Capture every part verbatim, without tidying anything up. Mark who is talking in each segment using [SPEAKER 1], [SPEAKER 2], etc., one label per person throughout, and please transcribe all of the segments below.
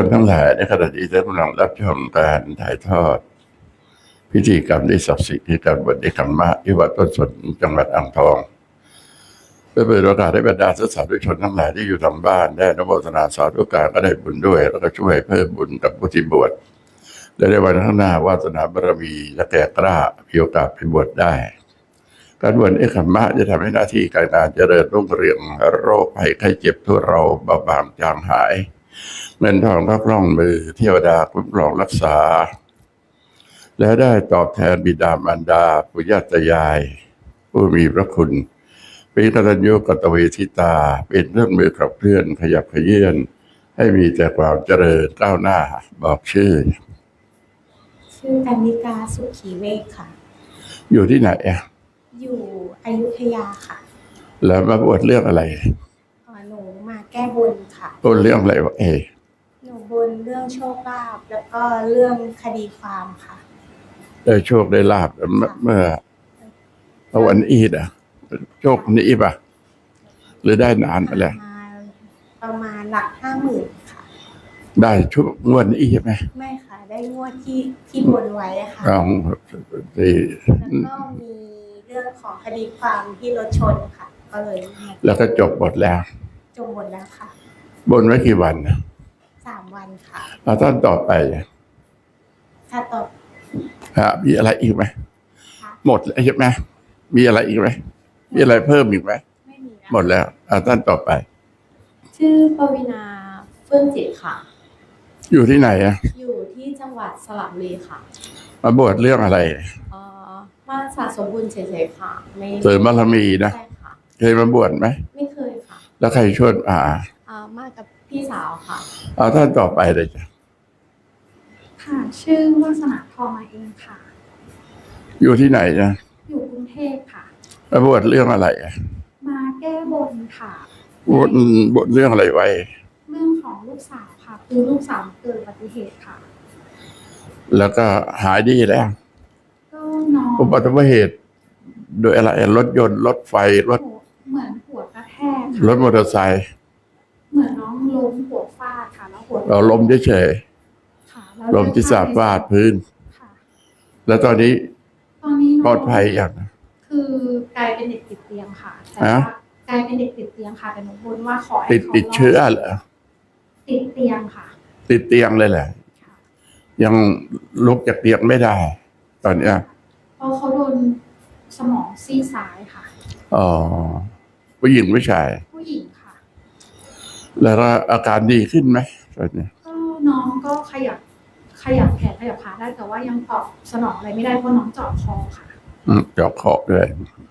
[SPEAKER 1] ชทั้งหลายในขณะที่ท่านกำลังรับชมการถ่ายทอดพิธีกรรมที่ศักดิ์สิทธิ์ที่การบวชในคัมมะที่วัดต้นสนจังหวัดอ่างทองเพื่อเปิดโอกาสให้บรรดาสาธุชนทั้งหลายที่อยู่ทางบ้านได้อนุโมทนาสาธุการก็ได้บุญด้วยแล้วก็ช่วยเพิ่มบุญกับผู้ที่บวชและในวันข้างหน้าวาสนาบารมีและแก่กล้ามีโอกาสไปบวชได้การบวชในคัมมะจะทำให้หน้าที่การงานเจริญรุ่งเรืองโรคภัยไข้เจ็บทั่วเราเบาบางจางหายเงินทองก็คล่องมือเทวดาคุ้มครองรักษาและได้ตอบแทนบิดามารดาปุญญาตายายผู้มีพระคุณเป็นกตัญญูกตเวทิตาเป็นเครื่องมือขับเคลื่อนขยับขยื่นให้มีแต่ความเจริญก้าวหน้าบอกชื่อ
[SPEAKER 2] ชื่อกันนิกาสุขีเวกค่ะ
[SPEAKER 1] อยู่ที่ไหนอ่ะ
[SPEAKER 2] อยู่อยุธยาค่ะ
[SPEAKER 1] แล้วมาบวชเรื่องอะไร
[SPEAKER 2] อ๋อหนูมาแก้บนค่ะ
[SPEAKER 1] บนเรื่องอะไรวะเอ
[SPEAKER 2] หนูบนเรื่องโชคลาภแล้วก็เรื่องคดีความค่ะ
[SPEAKER 1] ได้โชคได้ลาภเมื่อวันอีดอ่ะโชคนี้ป่ะหรือได้นานมาแล้ว
[SPEAKER 2] ประมาณหลักห้าหมื่นค่ะ
[SPEAKER 1] ได้ช่วงงวดนี้ใช่ไหม
[SPEAKER 2] ไม่ค่ะได้งวดที่ที่บนไว้ค่ะ
[SPEAKER 1] อ๋อ
[SPEAKER 2] แล้วก็มีเรื่องของคดีความที่รถชนค่ะก็เลย
[SPEAKER 1] แล้วก็จบหมดแล้ว
[SPEAKER 2] จบหมดแล้วค่ะ
[SPEAKER 1] บนไว้กี่วัน
[SPEAKER 2] สามวันค่ะ
[SPEAKER 1] แล้วท่านต่อไป
[SPEAKER 2] ค่ะต่อ
[SPEAKER 1] ฮะมีอะไรอีกไหมหมดแล้วใช่ไหมมีอะไรอีกไหมมีอะไรเพิ่มอีกไหม
[SPEAKER 2] ไม่มี
[SPEAKER 1] หมดแล้วอ่าท่านต่อไป
[SPEAKER 2] ชื่อปวีณาเฟื่องจิตค่ะ
[SPEAKER 1] อยู่ที่ไหนอ่ะ
[SPEAKER 2] อยู่ที่จังหวัดสระบุรีค่ะ
[SPEAKER 1] มาบวชเรื่องอะไร
[SPEAKER 2] เอ่อมาสะสมบุญเฉยๆค่ะไม่
[SPEAKER 1] เสริมบารมีนะ
[SPEAKER 2] ใช่ค่ะ
[SPEAKER 1] เคยมาบวชไหม
[SPEAKER 2] ไม่เคยค่ะ
[SPEAKER 1] แล้วใครชวนอ่า
[SPEAKER 2] อ่ามากับพี่สาวค่ะ
[SPEAKER 1] เอาท่านต่อไปเลยจ้ะ
[SPEAKER 2] ค่ะชื่อวาสนาทองมาเองค่ะ
[SPEAKER 1] อยู่ที่ไหนนะ
[SPEAKER 2] อยู่กรุงเทพค่ะ
[SPEAKER 1] มาบวชเรื่องอะไรอ่ะ
[SPEAKER 2] มาแก้บนค่ะ
[SPEAKER 1] บวชบวชเรื่องอะไรไว้
[SPEAKER 2] เรื่องของลูกสาวค่ะคือลูกสาวเกิดอุบัติเหตุค่ะ
[SPEAKER 1] แล้วก็หายดีแล้ว
[SPEAKER 2] ก็น้อง
[SPEAKER 1] อุบัติเหตุโดยอะไรรถยนต์รถไฟรถ
[SPEAKER 2] เหมือนหัวกระแทก
[SPEAKER 1] รถมอเตอร์ไซค์
[SPEAKER 2] เหมือนน้องล้มหัวฟาดค่ะแล้วหัว
[SPEAKER 1] เราล้มเฉยๆล้มที่สาฟาดพื้นแล้วตอนนี้
[SPEAKER 2] ตอนนี้
[SPEAKER 1] ปลอดภัยอย่าง
[SPEAKER 2] คือกลายเป็นเด็กติดเตียงค่ะแต่ว่ากลายเป็นเด็กติดเตียงค่ะแต่หนูบนว่าขอให้
[SPEAKER 1] ติดติดเชื้อเหรอ
[SPEAKER 2] ติดเตียงค่ะ
[SPEAKER 1] ติดเตียงเลยแหละยังลุกจากเตียงไม่ได้ตอนเนี้ย
[SPEAKER 2] เพราะเขาโดนสมองซีกซ้ายค่ะ
[SPEAKER 1] อ๋อผู้หญิงผู้ชาย
[SPEAKER 2] ผู้หญิงค่ะ
[SPEAKER 1] แล้วอาการดีขึ้นไหมตอนนี้
[SPEAKER 2] ก็น้องก็ขยับขยับแขนขยับขาได้แต่ว่ายังตอบสนองอะไรไม่ได้เพราะน้องเจาะคอค่ะ
[SPEAKER 1] อืมเจาะคอด้วย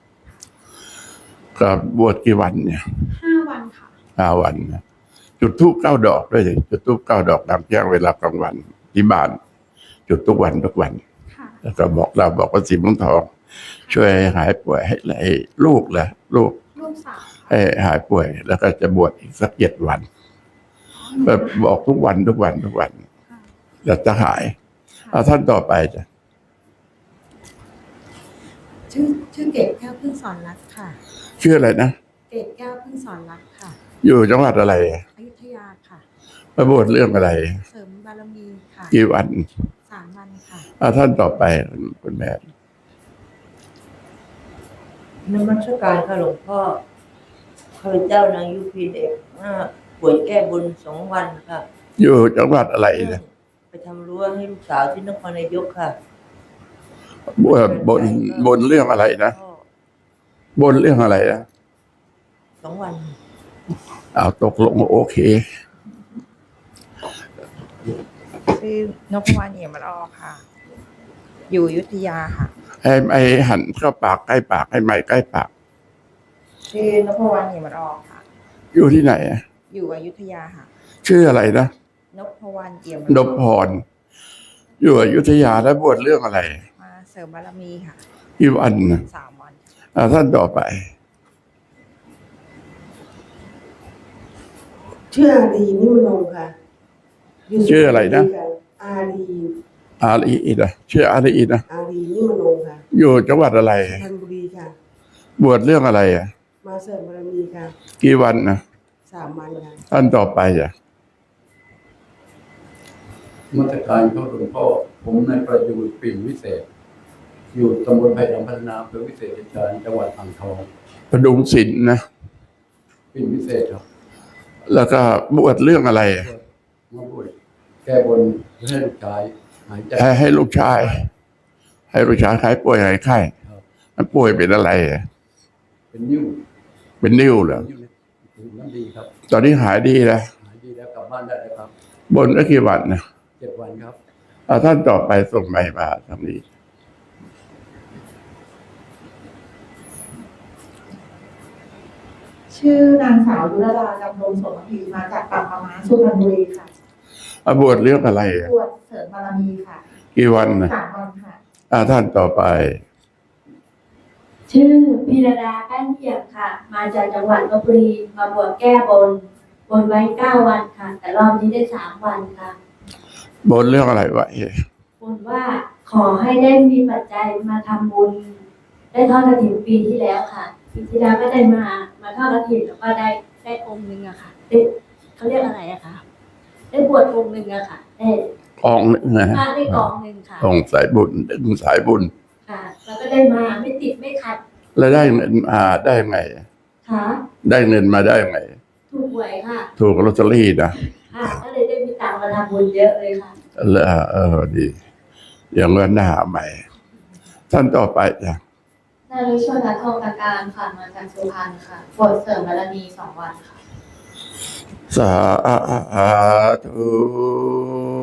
[SPEAKER 1] ก็บวชกี่วันเนี่ย
[SPEAKER 2] ห้าวันค่ะ
[SPEAKER 1] ห้าวันจุดธูปเก้าดอกด้วยสิจุดธูปเก้าดอกตามแจ้งเวลากลางวันที่บ้านจุดทุกวันทุกวันแล้วก็บอกเราบอกว่าสีม่วงทองช่วยหายป่วยให้ให้ลูกแหละลูก
[SPEAKER 2] ลูกสาว
[SPEAKER 1] ให้หายป่วยแล้วก็จะบวชอีกสักเจ็ดวันแบบบอกทุกวันทุกวันทุกวันแล้วจะหายเอาท่านต่อไปจ้ะ
[SPEAKER 2] ชื่อชื่อเกศแก้วพึ่งสอนรักค่ะ
[SPEAKER 1] ชื่ออะไรนะ
[SPEAKER 2] เกศแก้วพึ่งสอนรักค่ะ
[SPEAKER 1] อยู่จังหวัดอะไร
[SPEAKER 2] อยุธยาค่ะ
[SPEAKER 1] มาบวชเรื่องอะไร
[SPEAKER 2] เสริมบารมีค่ะ
[SPEAKER 1] กี่วัน
[SPEAKER 2] สามวันค่ะ
[SPEAKER 1] เอาท่านต่อไปคุณแม่
[SPEAKER 3] นมัสการค่ะหลวงพ่อข้าพเจ้านางยุพีเด็กป่วยแก้บนสองวันค่ะ
[SPEAKER 1] อยู่จังหวัดอะไรเนี่ย
[SPEAKER 3] ไปทำรั้วให้ลูกสาวที่นครนายกค่ะ
[SPEAKER 1] บนบนบนเรื่องอะไรนะบนเรื่องอะไรนะ
[SPEAKER 3] สองวัน
[SPEAKER 1] เอาตกลงโอเค
[SPEAKER 4] ชื่อนพวรรณเอี่ยมละออค่ะอยู่อยุธยาค่ะ
[SPEAKER 1] ให้ไอ้หันเข้าปากใกล้ปากให้ไม้ใกล้ปาก
[SPEAKER 4] ชื่อนพวรรณเอี่ยมละออค่ะ
[SPEAKER 1] อยู่ที่ไหนอ่ะ
[SPEAKER 4] อยู่อยุธยาค่ะ
[SPEAKER 1] ชื่ออะไรนะ
[SPEAKER 4] นพวรรณเอี่ยม
[SPEAKER 1] นพพรอยู่อยุธยาแล้วบวชเรื่องอะไร
[SPEAKER 4] มาเสริมบารมีค่ะ
[SPEAKER 1] กี่วัน
[SPEAKER 4] สามวัน
[SPEAKER 1] อ่าท่านต่อไป
[SPEAKER 3] ชื่ออารีนิมโนค่ะ
[SPEAKER 1] ชื่ออะไรนะ
[SPEAKER 3] อารี
[SPEAKER 1] อารีนะชื่ออารีนะ
[SPEAKER 3] อารีนิมโนค่ะ
[SPEAKER 1] อยู่จังหวัดอะไร
[SPEAKER 3] สุพรรณบุรีค่ะ
[SPEAKER 1] บวชเรื่องอะไรอ่ะ
[SPEAKER 3] มาเสริมบารมีค่ะ
[SPEAKER 1] กี่วันนะ
[SPEAKER 3] สามวันค่ะ
[SPEAKER 1] ท่านต่อไปอ่ะ
[SPEAKER 5] มาตรการเข้าหลวงพ่อผมนายประยูรปิ่นวิเศษ อยู่ตำบลไผ่ดำพัฒนาอำเภอวิเศษชัยชาญจังหวัดอ่างทอง
[SPEAKER 1] ประดุงศิลป์นะ
[SPEAKER 5] ปิ่นวิเศษครับ
[SPEAKER 1] แล้วก็บวชเรื่องอะไร
[SPEAKER 5] มาบวชแก้บนให้ลูกชายหายใจ
[SPEAKER 1] ให้ให้ลูกชาย ให้ลูกชายหายป่วยหายไข้
[SPEAKER 5] ครับ
[SPEAKER 1] มันป่วยเป็นอะไรอ่ะ
[SPEAKER 5] เป็นนิ้ว
[SPEAKER 1] เป็นนิ้วเหรอ
[SPEAKER 5] นิ้วถึงน้ำดีครับ
[SPEAKER 1] ตอนนี้หายดีแล้ว
[SPEAKER 5] หายดีแล้วกลับบ้านได้แล้วครับ
[SPEAKER 1] บนได้กี่วันนะ
[SPEAKER 5] เจ็ดวันครับ
[SPEAKER 1] เอาท่านต่อไปส่งใบมาทางนี้
[SPEAKER 2] ชื่อนางสาวยุรดาดำรงสมพีมาจากปากปะมาสุพรรณบุรีค่ะ
[SPEAKER 1] เอาบวชเรื่องอะไรอ่ะ
[SPEAKER 2] บวชเสริมบารมีค่ะ
[SPEAKER 1] กี่วันนะ
[SPEAKER 2] สามวันค่ะ
[SPEAKER 1] อาท่านต่อไป
[SPEAKER 6] ชื่อพิรดาแป้นเทียมค่ะ มาจากจังหวัดลบบุรีมาบวชแก้บนบนไว้เก้าวันค่ะ แต่รอบนี้ได้สามวันค่ะ
[SPEAKER 1] บนเรื่องอะไรไว้
[SPEAKER 6] บนว่าขอให้ได้มีปัจจัยมาทำบุญ ได้ทอดกฐินปีที่แล้วค่ะปีที่แล้วก็ได้มามาทอดกฐินแล้วก็ได้ได้องค์หนึ่งอะค่ะได้เขาเรียกอะไรอะคะได้บวชองค์หนึ่งอะค่ะได้
[SPEAKER 1] กองหนึ่งนะ
[SPEAKER 6] มาได้กองหนึ่งค่ะ
[SPEAKER 1] กองสายบุญดึงสายบุญ
[SPEAKER 6] ค่ะ แล้วก็ได้มาไม่ติดไม่ขัด
[SPEAKER 1] แล้วได้เงินมาได้ไง
[SPEAKER 6] ค่ะ
[SPEAKER 1] ได้เงินมาได้ไง
[SPEAKER 6] ถูกหวยค่ะ
[SPEAKER 1] ถูกลอตเตอรี่นะ
[SPEAKER 6] ค่ะก็เลยได้มีตังค์มาทำบุญเยอะเลยค่ะ
[SPEAKER 1] แล้วเออดีอย่างเงินหน้าใหม่ ท่านต่อไปจ้ะ
[SPEAKER 7] นายรุชนทองตะการค่ะมาจากสุพรรณค่ะบวชเสริมบารมีสองวันค่ะ
[SPEAKER 1] สาธุ